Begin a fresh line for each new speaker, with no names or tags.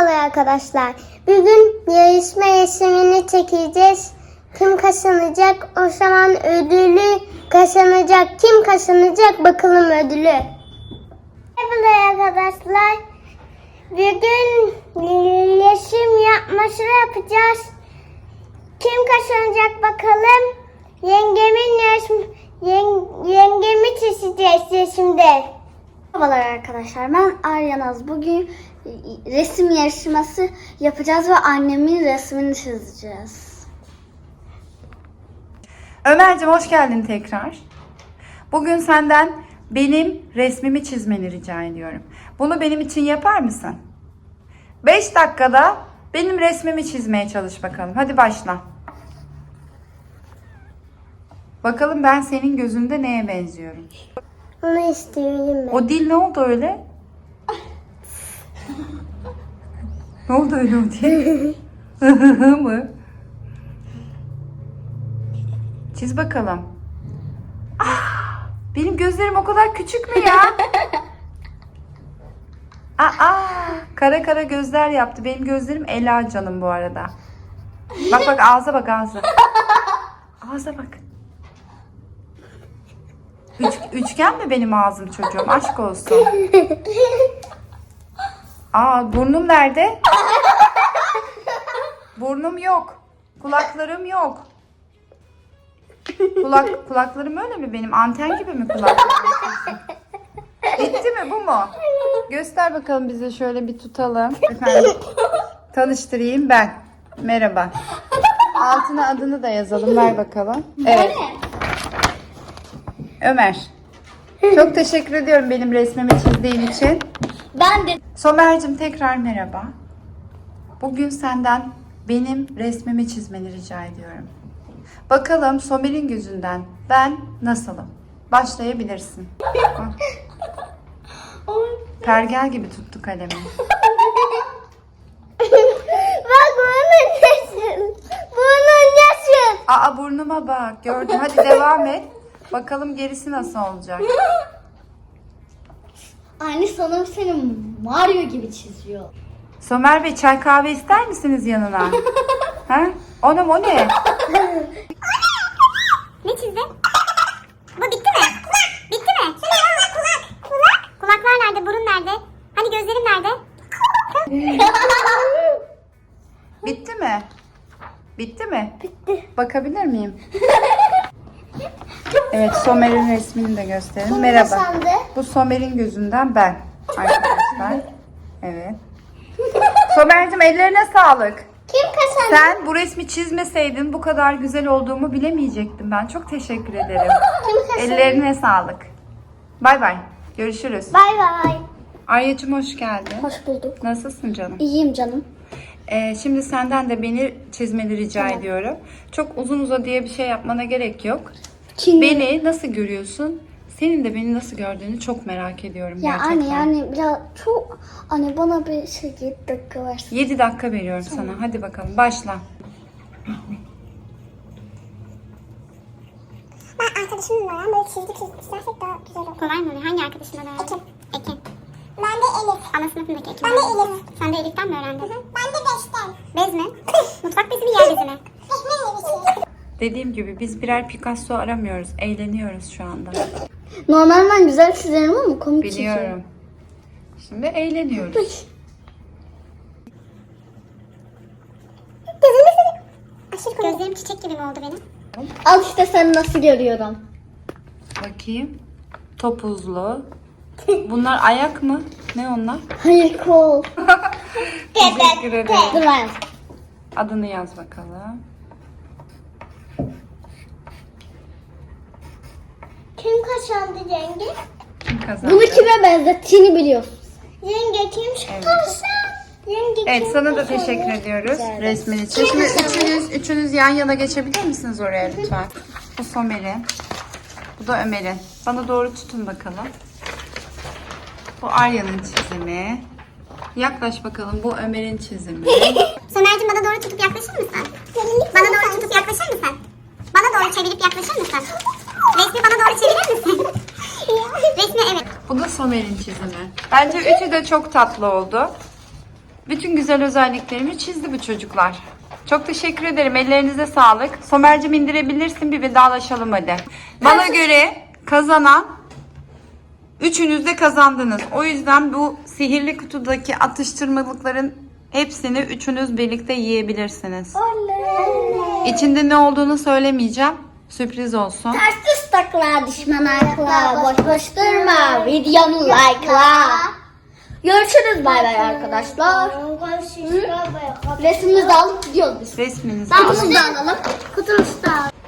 Merhabalar arkadaşlar. Bugün yarışma resimini çekeceğiz. Kim kazanacak? O zaman ödülü kazanacak. Kim kazanacak? Bakalım ödülü. Merhabalar arkadaşlar. Bugün resim yapması yapacağız. Kim kazanacak bakalım? Yengemi çizeceğiz resimde.
Merhabalar arkadaşlar, ben Arya Naz. Bugün resim yarışması yapacağız ve annemin resmini çizeceğiz.
Ömerciğim hoş geldin tekrar. Bugün senden benim resmimi çizmeni rica ediyorum. Bunu benim için yapar mısın? 5 dakikada benim resmimi çizmeye çalış bakalım. Hadi başla. Bakalım ben senin gözünde neye benziyorum?
Onu istiyorum ben.
O dil ne oldu öyle? Ne oldu öyle o dil? mı? Çiz bakalım. Benim gözlerim o kadar küçük mü ya? Kara kara gözler yaptı. Benim gözlerim Ela canım bu arada. Bak bak ağza bak ağza. Ağza bak. Üçgen mi benim ağzım çocuğum? Aşk olsun. Burnum nerede? Burnum yok. Kulaklarım yok. Kulaklarım öyle mi benim? Anten gibi mi kulaklarım? Bitti mi bu mu? Göster bakalım bize, şöyle bir tutalım. Efendim, tanıştırayım ben. Merhaba. Altına adını da yazalım. Ver bakalım. Evet. Ömer. Çok teşekkür ediyorum benim resmimi çizdiğin için.
Ben de
Somer'cim tekrar merhaba. Bugün senden benim resmimi çizmeni rica ediyorum. Bakalım Somer'in gözünden ben nasılım? Başlayabilirsin. Pergel gibi tuttu kalemi.
Bak bunun nasıl? Bunun nasıl?
Burnuma bak. Gördüm. Hadi devam et. Bakalım gerisi nasıl olacak?
anne sanırım seni Mario gibi çiziyor.
Somer Bey, çay kahve ister misiniz yanına? Ha? O ne?
Ne çizdin? Bu bitti mi? Bitti mi? Kulaklar nerede? Burun nerede? Hani gözlerim nerede?
Bitti mi? Bitti mi? Bitti. Bakabilir miyim? Evet, Somer'in resmini de gösterelim. Merhaba.
kazandı?
Bu Somer'in gözünden ben arkadaşlar. Evet. Somer'cim ellerine sağlık.
Kim kazandı?
Sen bu resmi çizmeseydin bu kadar güzel olduğumu bilemeyecektim ben. Çok teşekkür ederim.
Kim kazandı?
Ellerine sağlık. Bay bay. Görüşürüz.
Bay bay.
Arya'cığım hoş geldin.
Hoş bulduk.
Nasılsın canım?
İyiyim canım.
Şimdi senden de beni çizmeni rica ediyorum. Çok uzun uzadıya bir şey yapmana gerek yok. Beni nasıl görüyorsun? Senin de beni nasıl gördüğünü çok merak ediyorum
Ya
gerçekten.
anne yani biraz çok anne bana bir 7 dakika versin.
7 dakika veriyorum sana. Hadi bakalım başla.
Ben arkadaşımla öğren böyle çizersek daha güzel olur. Kolay mı? Hangi arkadaşımla öğrendin? Ekin. Ben de Elif. Ana sınıfındaki Ekin. Ben de Elif. Sen de Elif'ten mi öğrendin? Ben de Beş'ten. Bez mi? Mutfak bezi mi, yer bezi mi?
Dediğim gibi biz birer Picasso aramıyoruz. Eğleniyoruz şu anda.
Normal ben güzel çizerim ama komik çiziyorum.
Biliyorum. Şimdi eğleniyoruz.
Gözlerim çiçek gibi mi oldu benim?
Al işte sen nasıl görüyorum.
Bakayım. Topuzlu. Bunlar ayak mı? Ne onlar?
Hayır kol.
Teşekkür ederim.
Dur ben.
Adını yaz bakalım.
Kim kazandı yenge?
Kim kazandı?
Bunu kime benzettiğini biliyorsun.
Yenge kim kazandı? Yenge
Evet,
kim
sana da
kazandı?
teşekkür ediyoruz resmin için. Şimdi üçünüz yan yana geçebilir misiniz oraya lütfen? Bu Somer'in. Bu da Ömer'in. Bana doğru tutun bakalım. Bu Arya'nın çizimi. Yaklaş bakalım, bu Ömer'in çizimi.
Somer'cim bana doğru tutup yaklaşır mısın? Bana doğru tutup yaklaşır mısın? Bana doğru çevirip yaklaşır mısın? Resmi bana doğru çevirir misin? Resmi evet.
Bu da Somer'in çizimi. Bence üçü de çok tatlı oldu. Bütün güzel özelliklerimi çizdi bu çocuklar. Çok teşekkür ederim. Ellerinize sağlık. Somer'cim indirebilirsin. Bir vedalaşalım hadi. Bana göre kazanan üçünüz de kazandınız. O yüzden bu sihirli kutudaki atıştırmalıkların hepsini üçünüz birlikte yiyebilirsiniz. İçinde ne olduğunu söylemeyeceğim. Sürpriz olsun.
Ters düz takla, düşman akla, boş boş durma, videomu like'la. Görüşürüz, bay bay arkadaşlar. Resmimizi de alıp gidiyoruz biz.
Resminizi
Kutumuzu
alın.
da alalım. Kutumuzu da alalım.